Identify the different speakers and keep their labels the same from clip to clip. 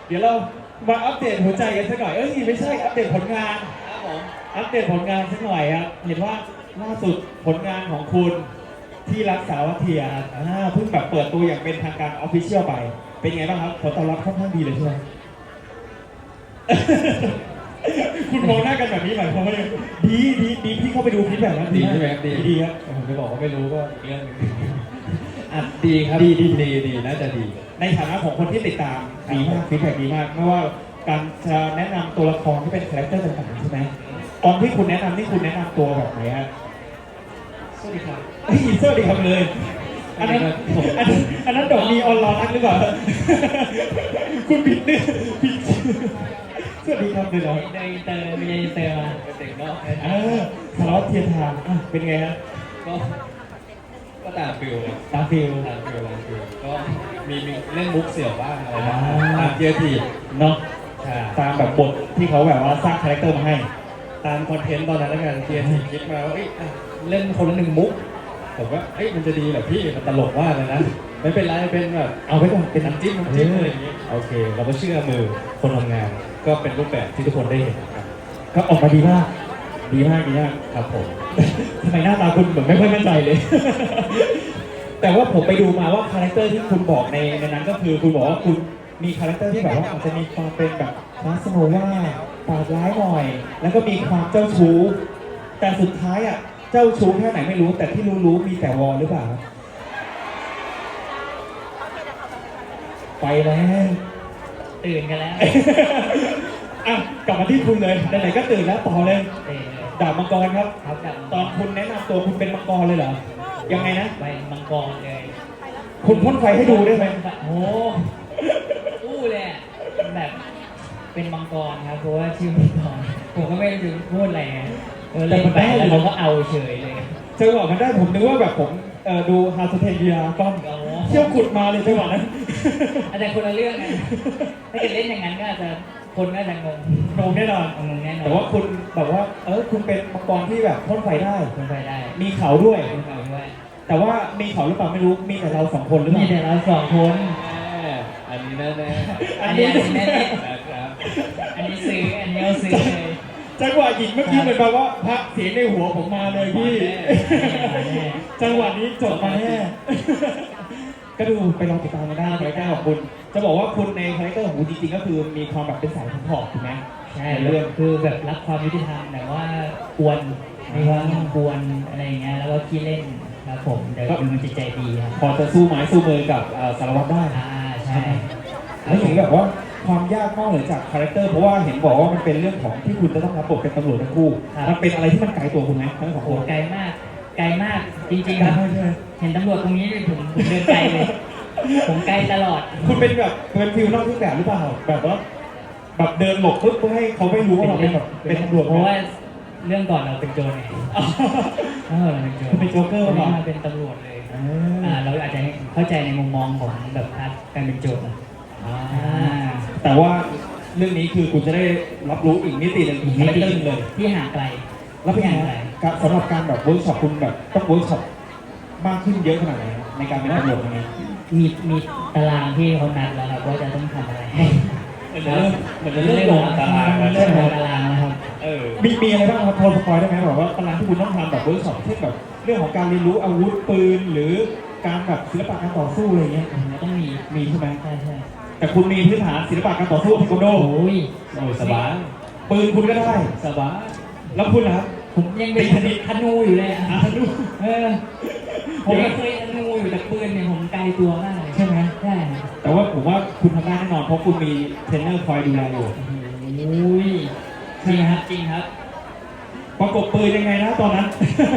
Speaker 1: เดี๋ยวเรามาอัปเดตหัวใจกันสักหน่อยไม่ใช่อัปเดตผลงาน
Speaker 2: ครับผม
Speaker 1: อัปเดตผลงานสักหน่อยครับเห็นว่าล่าสุดผลงานของคุณที่รักสาวัตเทียเพิ่งแบบเปิดตัวอย่างเป็นทางการออฟฟิเชียลไป เป็นไงบ้างครับผลตอบรับค่อนข้างดีเลยใช่ไหม คุณมองหน้ากันแบบนี้หมายความว่าดีพี่เข้าไปดูคลิปแบบนั้น
Speaker 2: ดีใช่ไหมครับ
Speaker 1: ดีครับ
Speaker 2: ผมจะบอกว่าไม่รู้ก็อีกเรื่องหนึงอ่ะดีครับดีน่าจะดี
Speaker 1: ในฐานะของคนที่ติดตามดีมากฟีดแบ็กดีมากไม่ว่าการจะแนะนำตัวละครที่เป็นคาแรคเตอร์ต่างๆใช่ไหมตอนที่คุณแนะนำนี่คุณแนะนำตัวแบบไหนฮะ
Speaker 2: สวัสดีครับ
Speaker 1: สวัสดีครับเลยอันนั้นดอกนีออนไลน์หรือเปล่าคุณผิดเนี่ยผิดสวัสดีครับเลยเหรอ
Speaker 2: ในเตอร์มีในเตอร์มาเด็กเนาะ
Speaker 1: สารวัตรเทียนทางเป็นไงฮะ
Speaker 2: ก็ตามฟิลเลย
Speaker 1: ตาฟิล
Speaker 2: ตามฟิลก็มีเล่นมุกเสี่ยวบ้างอะไรบ้างตามเกียร์ที
Speaker 1: เนาะ
Speaker 2: ใช่
Speaker 1: ตามแบบบทที่เขาแบบว่าสร้างคาแรคเตอร์มาให้
Speaker 2: ตามคอนเทนต์ตอนนั้นแล้วกันเกียร์ทีคิดมาว่าเล่นคนละหนึ่งมุกผมว่ามันจะดีเหรอพี่มันตลกมากเลยนะไม่เป็นไรเป็นแบบ
Speaker 1: เอาไว้ก่อนเป็น
Speaker 2: น้ำจิ้มอะไรอย่างงี้โอเค เราก็เชื่อมือคนทำงาน ก็เป็นรูปแบบที่ทุกคนได้เห็นครับ
Speaker 1: ก็ออกมาดีมาก
Speaker 2: ครับผม
Speaker 1: ทำไมหน้าตาคุณเหมือนไม่ค่อยมั่นใจเลย แต่ว่าผมไปดูมาว่าคาแรคเตอร์ที่คุณบอกในนั้นก็คือคุณบอกว่าคุณมีคาแรคเตอร์ที่แบบว่าอาจจะมีความเป็นแบบคาสโนว่าปาดร้ายหน่อย แล้วก็มีความเจ้าชู้ แต่สุดท้ายอ่ะเจ้าชู้แค่ไหนไม่รู้ แต่ที่รู้มีแต่วอลหรือเปล่า ไปแล้ว
Speaker 3: ตื่นกันแล้ว
Speaker 1: อ่ะกลับมาที่คุณเลยไหนๆก็ตื่นแล้วต่อเลย
Speaker 3: ตื่นเลย
Speaker 1: ดาบมังกรครับ
Speaker 3: ครับแบบ
Speaker 1: ตอนคุณแนะนำตัวคุณเป็นมังกรเลยเหรอ ยังไงนะ
Speaker 3: ไปมังกรเลย
Speaker 1: คุณพ่นไฟให้ดูได้ไหม
Speaker 3: โอ้อู้เลยอะแบบเป็นมังกรครับเพราะว่าชื่อมังกรผมก็ไม่รู้จะพูดอะไรไงเล่นไปแล้วเราก็เอาเฉยเลย
Speaker 1: จังหวะมันได้ผมนึกว่าแบบผมดูฮาร์สเทเดียก้อน
Speaker 3: โอ้
Speaker 1: เที่ยวขุดมาเลยจังหวะนั้น
Speaker 3: อาจจะคนละเรื่องไงถ้าเกิดเล่นอย่างนั้นก็อาจจะคนก็จะงง
Speaker 1: โดนแน่นอน
Speaker 3: งงแน่นอน
Speaker 1: แต่ว่าคุณแบบว่าคุณเป็นมังกรที่แบบพ่นไฟได้
Speaker 3: คนไปได้
Speaker 1: มีเขาด้วย
Speaker 3: คนเขาด้วย
Speaker 1: แต่ว่ามีเขาหรือเปล่าไม่รู้มีแต่เราสองคนหรือเป
Speaker 3: มี
Speaker 1: ล่า
Speaker 3: แต่เราสองคน
Speaker 2: อันนี้แน่ๆ
Speaker 3: อันนี้แน่
Speaker 2: นะครับ
Speaker 3: อันนี้ซื้ออันนี้เอาซื้อเลย
Speaker 1: จังหวะหญิงเมื่อกี้เหมือนแบบว่าพระเสียงในหัวผมมาเลยพี่ จังหวะนี้จบมาแน่ ก็ดูไปลองติดตามกันได้คาแรคเตอร์ของคุณ จะบอกว่าคุณในคาแรคเตอร์ของคุณจริงๆก็คือมีความแบบเป็นสายผอมถูกไหม
Speaker 3: ใช่
Speaker 1: ในเรื่อง
Speaker 3: คือแบบรักความยุติธรรมแต่ว่ากวนมีความกวนอะไรอย่างเงี้ยแล้วก็ขี้เล่นครับผมแต่ก็เป็นคนจิตใจดีครับ
Speaker 1: พอจะสู้ไม้สู้มือกับสารวัตรได้
Speaker 3: ใช่
Speaker 1: แล้วอย่างนี้แบบว่าความยากนอกเหนือจากคาแรคเตอร์เพราะว่าเห็นบอกว่ามันเป็นเรื่องของที่คุณจะต้องรับบทเป็นตำรวจทั้งคู่ มันเป็นอะไรที่มันไกลตัวคุณไหมทั้งสอง
Speaker 3: โอ้
Speaker 1: คน
Speaker 3: ไกลมากไกลมากจริง
Speaker 1: ไกล
Speaker 3: ๆครับ
Speaker 1: มากใช่ไหม
Speaker 3: เห็นตำรวจตรงนี้ผมเดินไกลเลย ผมไกลตลอด
Speaker 1: คุณเป็นแบบเป็นฟิลนอกเครื่องแบบหรือเปล่าแบบว่าแบบเดินหลบปุ๊บเพื่อให้เขาไม่รู้ว่าเราเป็นแบบเป็นตำรวจ
Speaker 3: เพราะว่าเรื่องก่อนเราเป็นโจรไงเราเป็นโจร
Speaker 1: คุณเป็นโจ๊กเกอร์
Speaker 3: เรา
Speaker 1: เปล่า
Speaker 3: มาเป็นตำรวจเลยเราอาจจะเข้าใจในมุมมองของแบบการเป็นโจร
Speaker 1: แต่ว่าเรื่องนี้คือคุณจะได้รับรู้อีกมิติหนึ่งอีกคาแรคเตอร์หนึ่งเลย
Speaker 3: ที่ห่างไกล
Speaker 1: แล้วเป็นยังไงครับสำหรับการแบบเวิร์กช็อปคุณแบบต้องเวิร์กช็อปมากขึ้นเยอะขนาดไหนครับในการเป็นตำรวจตรงนี้
Speaker 3: มีตารางที่เขานัดแล้วครับว่าจะต้องทำอะไรให้
Speaker 2: เหมือนจะเริ่มลงตารางแล้ว
Speaker 3: เริ่
Speaker 2: ใช่
Speaker 3: ม
Speaker 2: ไหม
Speaker 3: ลงตารางแล้วครับ
Speaker 1: มีอะไรบ้างครับพอสปอยได้ไหมแบบว่าตารางที่คุณต้องทำแบบเวิร์กช็อปเช่นแบบเรื่องของการเรียนรู้อาวุธปืนหรือการแบบศิลปะการต่อสู้อะไรเงี้ย
Speaker 3: มันต้องมี
Speaker 1: มีใช่ไหม
Speaker 3: ใช่ใช่
Speaker 1: แต่คุณมีพื้นฐานศิลปะการต่อสู้เทควันโด
Speaker 3: โอ้ย
Speaker 2: โอ้ยสบาย
Speaker 1: ปืนคุณก็ได้
Speaker 2: สบาย
Speaker 1: แล้วคุณนะครับ
Speaker 3: ผมยังเป็นธนูอยู่เลยอ่ะผมยังเคยธนูอยู่แต่ปืนเนี่ยผมไกลตัวมากเลย
Speaker 1: ใช่ไหม
Speaker 3: ใช่
Speaker 1: แต่ว่าผมว่าคุณทำได้แน่นอนเพราะคุณมีเทรนเนอร์คอยดูแลอยู่
Speaker 3: โอ้ยจริงครับจริงครับ
Speaker 1: ประกบปืนยังไงนะตอนนั้น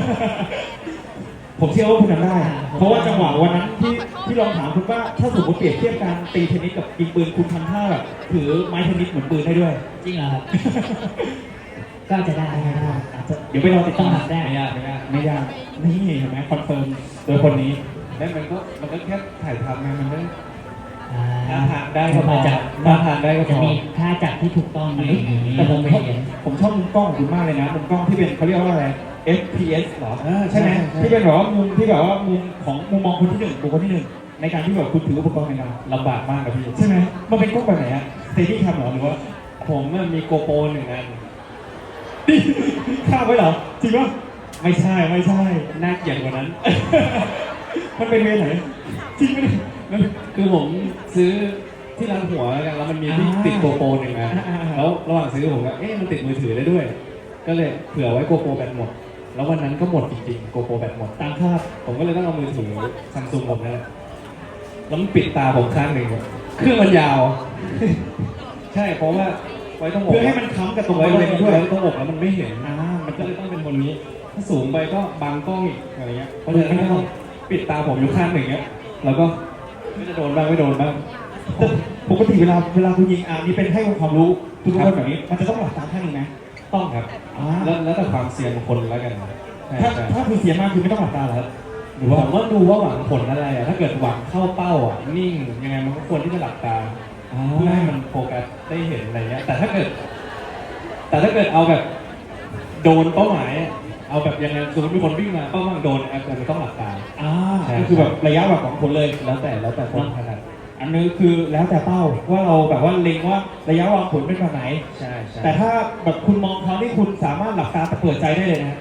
Speaker 1: ผมเชื่อว่าคุณทำได้ เพราะว่าจังหวะวันนั้นที่ลองถามคุณว่าถ้าสมมติเปรียบเทียบการตีเทนนิสกับยิงปืนคุณทำท่าแบบถือไม้เทนนิสเหมือนปืนได้ด้วย
Speaker 3: จริงเหรอครับ ก็จะได้
Speaker 1: อาจจะเดี๋ยวไปรอติดตาม
Speaker 3: ได้
Speaker 2: ไม่ยาก
Speaker 1: ไม่ยากนี่เห็นไหมคอนเฟิร์มโดยคนนี้
Speaker 2: แล้วมันก็แค่ถ่ายทำไงมันไม่
Speaker 3: อ่า
Speaker 2: ทางได้ก็พอ
Speaker 3: มาจาก
Speaker 2: ทางได้ก็พ
Speaker 3: จะ
Speaker 2: อ
Speaker 3: มีท่าจับที่ถูกต้องไหม
Speaker 1: แต่ผม
Speaker 3: ไม่
Speaker 1: ชอบ
Speaker 3: เห็น
Speaker 1: ผมชอบมุมกล้องของคุณมากเลยนะมุมกล้องที่เป็นเขาเรียกว่าอะไร FPS เหรอ
Speaker 2: อ่า
Speaker 1: ใช่ไหม
Speaker 2: ใช่
Speaker 1: ที่เป็นแบบว่ามุมที่แบบว่ามุมของมุมมองคนที่หนึ่งบุคคลที่หนึ่งในการที่แบบคุณถืออุปกรณ์ในการ
Speaker 2: ลำบากมากครับพี่
Speaker 1: ใช่ไหมมันเป็นกล้องแบบไหนอะสเตดี้แคมเหรอหรือว่า
Speaker 2: ผมมันมีโกโปรหนึ่งอัน
Speaker 1: คาบไว้เหรอจริงปะไม่ใช่ไม่ใช่
Speaker 2: น่าเกลียดกว่านั้น
Speaker 1: มันเป็นเวรไหนจริงไหมเนี่ยมัน
Speaker 2: คือผมซื้อที่ร้านหัวแล้วกันแล้วมันมีที่
Speaker 1: อ่า
Speaker 2: ติดโกโปรหนึ่งอัน
Speaker 1: อ่า
Speaker 2: แล้วระหว่างซื้อผมก็มันติดมือถือได้ด้วย ก็เลยเผื่อไว้โกโปรแบตหมด แล้ววันนั้นก็หมดจริงๆโกโปรแบตหมด
Speaker 1: ตามคาด
Speaker 2: ผมก็เลยต้องเอามือถือซัมซุงผมนั่นแหละแล้วมันปิดตาผมข้างหนึ่งเครื่องมันยาว ใช่เพราะว่าไว้ตรงอก
Speaker 1: เพื่อให้มันค้ำกับตรงบ
Speaker 2: ไว้
Speaker 1: ริเวณนี้ด้วย
Speaker 2: ตรงอกแล้วมันไม่เห็น
Speaker 1: มัน
Speaker 2: ก็
Speaker 1: ก็
Speaker 2: เลยต้องเป็นบนนี้ ถ้าสูงไปก็บังกล้องอีกอะไรเงี้ยเพราะฉะนั้นก็ต้องปิดตาผมอยู่ข้างหนึ่งเงี้ยแล้วก็ไม่จะโดนบ้างไม่โดนบ้าง
Speaker 1: ปกติเวลาคุณยิงนี่เป็นให้ความรู้ทุกคนแบบนี้ มันจะต้องหลับตาข้างหนึงนะ
Speaker 2: ต้องครับ แล้วแต่ความเสี่ยงของคนแล้วกันใช่
Speaker 1: ถ้าคุณเสียมากคือไม่ต้องหลับตาเหรอหรือว่า
Speaker 2: ผมว่าดูว่าหวังผลอะไรถ้าเกิดหวังเข้าเป้านิ่งยังไงมันก็ควรที่จะหลับตา เพื่อให้มันโฟกัสได้เห็นอะไรเงี้ย แต่ถ้าเกิดเอาแบบโดนเป้าหมายเอาแบบยังไงสมมติมีคนวิ่งมาเป้าหมายโดนอาจจะต้องหลับตา
Speaker 1: ก็คือแบบระยะแบบของคนเลย
Speaker 2: แล้วแต่คนถนัด
Speaker 1: อันนี้คือแล้วแต่เป้าว่าเราแบบว่าเล็งว่าระยะวางผลเป็นแบบไหน
Speaker 2: ใช่
Speaker 1: แต่ถ้าแบบคุณมองเขาที่คุณสามารถหลับตาแต่เปิดใจได้เลยนะ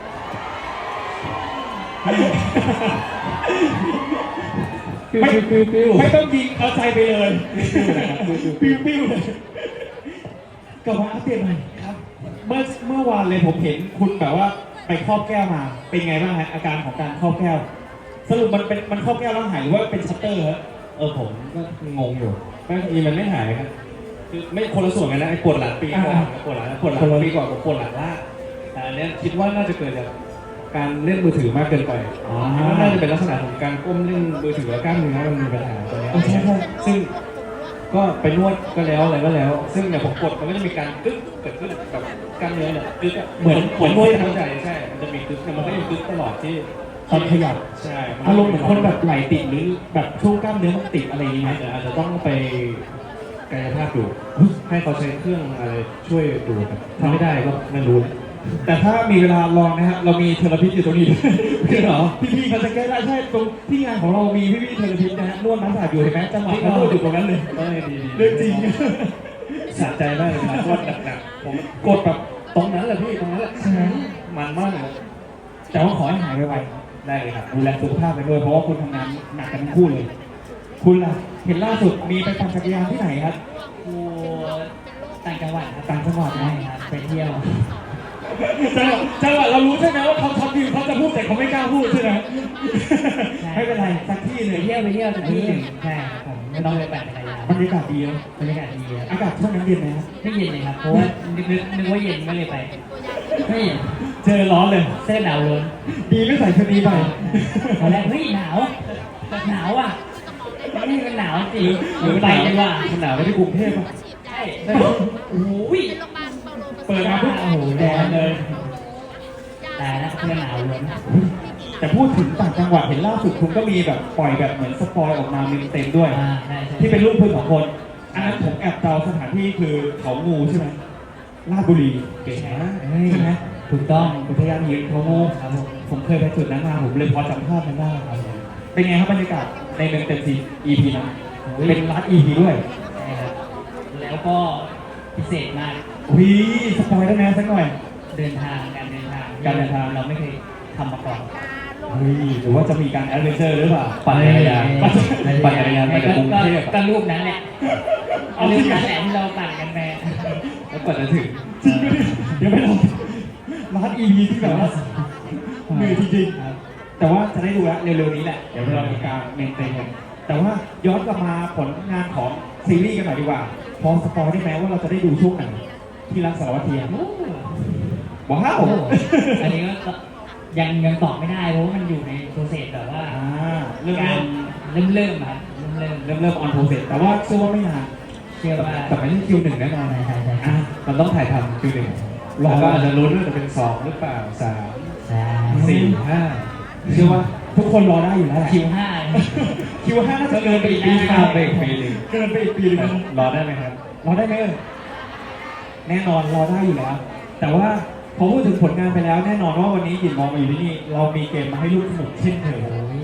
Speaker 2: คือ
Speaker 1: ไม่ต้องยิงเอาใจไปเลยปิ้วเลยกลับมาอัปเดตหน่อยครับ เมื่อวานเลยผมเห็นคุณแบบว่าไปครอบแก้วมา เป็นไงบ้างฮะอาการของการครอบแก้ว สรุปมันครอบแก้วแล้วหายหรือว่าเป็นชัตเตอร์ฮะ
Speaker 2: ผมก็งงอยู่บางทีมันไม่หายครับคือไม่คนละส่วนกันนะไอ้ปวดหลังปีก่อนกับปวดหลังปีก่อนกับปวดหลังล่างแต่อันเนี้ยคิดว่าน่าจะเกิดจากการเล่นมือถือมากเกินไปน่าจะเป็นลักษณะของการก้มเล่นมือถือแล้วกล้ามเนื้อมันมีปัญหาตรงนี้ซึ่งก็ไปนวดก็แล้วอะไรก็แล้ว ซึ่งเนี่ยผมกดมันก็จะมีการกึ๊กเกิดขึ้นกับกล้ามเนื้อเนี่ยกึ๊กเหมือนนวดเข้าใจใช่มันจะมีกึ๊กมันก็ยังกึ๊กตลอดที่
Speaker 1: ตอนขยับ
Speaker 2: ใช่
Speaker 1: อารมณ์เหมือนคนแบบไหลติดหรือแบบช่วงกล้ามเนื้อมันติดอะไรอย่างเงี้ย
Speaker 2: อาจจะต้องไปกายภาพดูให้เขาใช้เครื่องอะไรช่วยดูครับถ้าไม่ได้ก็ไม่รู้
Speaker 1: แต่ถ้ามีเวลาลองนะฮะเรามีเทอราพิสอยู่ตรงนี้ด้วยคือเหรอพี่ๆเขาจะแก้ได้ใช่ตรงที่งานของเรามีพี่ๆเทอราพิสนะฮะนวดน้ำสาดอยู่เห็นไหมจังหวะเขานวดอยู่ตรงนั้นเลย
Speaker 2: ดี
Speaker 1: เรื่องจริง
Speaker 2: สะใจมากเลยนะนวดหนักๆผมกดแบบตรงนั้นแหละพี่ตรงนั้นแหละมันมากเลย
Speaker 1: แต่ว่าขอให้หายไว
Speaker 2: ได้เลยครับ
Speaker 1: ๆดูแลสุขภาพไปด้วยเพราะว่าคุณทำงานหนักกันทั้งคู่เลย คุณล่ะเห็นล่าสุดมีไปปั่นจักรยานที่ไหนครับ
Speaker 3: กูต่างจังหวัดครับ
Speaker 1: ต่างจังหวัดนะ
Speaker 3: ใช่ครับไปเที่ยว
Speaker 1: จังหวัดเรารู้ใช่ไหมว่าเขาทำดีเขาจะพูดแต่เขาไม่กล้าพูดใช่ไหมไม่เป็นไรสักที่ห
Speaker 3: ไป
Speaker 1: นึ่ง
Speaker 3: เที่ยวสักที่หนึ่งใช่ครับผมไม่ต้องไปปั่นจักรยาน
Speaker 1: บรรยากาศดีนะ
Speaker 3: บรรยากาศดีครับ
Speaker 1: อากาศช่วงนั้นเย็นไหมครับ
Speaker 3: ไม่เย็นเลยครับเพราะว่านึกว่าเย็นไม่เลยไปไม่เย็น
Speaker 1: เจอร้อนเลย
Speaker 3: เสื้อหนาวล้น
Speaker 1: ดีไม่ใส่ชุดนี้ไป
Speaker 3: ตอนแรกเฮ้ยหนาวอ่ะนี่มันหนาวจริงไปดีกว่า
Speaker 2: มันหนาวไปที่กรุงเทพป่ะ
Speaker 3: ใช่โอ้ย
Speaker 1: เปิดมาปุ๊บ
Speaker 3: โอ้โหแดงเลยตายแล้วเสื้อหนาวล้น
Speaker 1: แต่พูดถึงต่างจังหวัดเห็นล่าสุดคุณก็มีแบบปล่อยแบบเหมือนสปอยออกมาเต็มๆด้วย
Speaker 3: ใช่
Speaker 1: ที่เป็นรูปคุณสองคน อันนั้นผมแอบเดาสถานที่คือเขางูใช่ไหมราชบุรี
Speaker 2: เก่ง
Speaker 3: ใช่
Speaker 2: มาก
Speaker 1: ใช่ไหม
Speaker 3: ถูกต้อง
Speaker 1: อุทยานหินเขางูครับผมเคยไปจุดนั้นมาผมเลยพอจำภาพนั้นได้ครับเป็นไงครับบรรยากาศในเมืองเต็มซี EP นั้นเป็นรัด EP ด้วย
Speaker 3: ใช่ครับแล้วก็พิเศษมาก
Speaker 1: วิสปอยได้ไหมสักหน่อย
Speaker 3: การเดินทางเราไม่เคยทำมาก่อน
Speaker 1: เฮ้ยหรือว่าจะมีการแอดเวนเจอร์หรือเปล่า
Speaker 2: ปั่นจักรยานปั่นจักรยานมาจากกรุงเทพ
Speaker 3: ก็รูปนั้นแหละรูปนั้นแหละที่เราปั่นกันไป
Speaker 2: แล้วกว่าจะถึง
Speaker 1: จริงไหมเดี๋ยวไม่ลองรัด EP ที่แบบว่าเหนื่อยจริงๆแต่ว่าจะได้ดูแล้วเร็วๆนี้แหละเดี๋ยวเรามีการเมนเทนกันแต่ว่าย้อนกลับมาผลงานของซีรีส์กันหน่อยดีกว่าพอสปอยได้ไหมว่าเราจะได้ดูช่วงไหนที่รักสารวัตรเทียมว้าว
Speaker 3: อันนี้ก็ยังตอบไม่ได้เพราะว่ามันอยู่ในโปรเซสแบบว่า
Speaker 1: เริ่ม
Speaker 3: การเริ่มครับเริ่ม
Speaker 1: ออนโปรเซสแต่ว่าเชื่อว่าไม่นาน
Speaker 3: เชื่อว่า
Speaker 2: แต่ไม่ใช่คิวหนึ่งแน่นอน
Speaker 3: ใช่
Speaker 2: มันต้องถ่ายทำคิวหนึ่งแล้วก็อาจจะลุ้นว่าจะเป็นสองหรือเปล่าสาม
Speaker 3: ใช่
Speaker 2: สี่ห้า
Speaker 1: เชื่อว่าทุกคนรอได้อยู่แล้วแหละ
Speaker 3: คิว5
Speaker 1: คิวห้าน่าจะเกินไปอีกปีนึง
Speaker 2: ข้ามไปอีกปีหนึ่ง
Speaker 1: เกินไปอีกปีนึง
Speaker 2: รอได้ไหมครับ
Speaker 1: รอได้ไหมแน่นอนรอได้อยู่แล้ว แต่ว่าพอพูดถึงผลงานไปแล้วแน่นอนว่าวันนี้หยินมองมาอยู่ที่นี่เรามีเกมมาให้ลูกสนุกเช่นเคย
Speaker 3: โอ้ย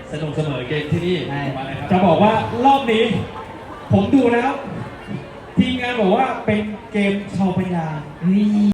Speaker 2: สนุกเสมอเกมที่นี่
Speaker 3: ใช่
Speaker 2: มาเลยครับ
Speaker 1: จะบอกว่ารอบนี้ ผมดูแล้ว ทีมงานบอกว่าเป็นเกมชาวพยางค์
Speaker 3: เฮ้ย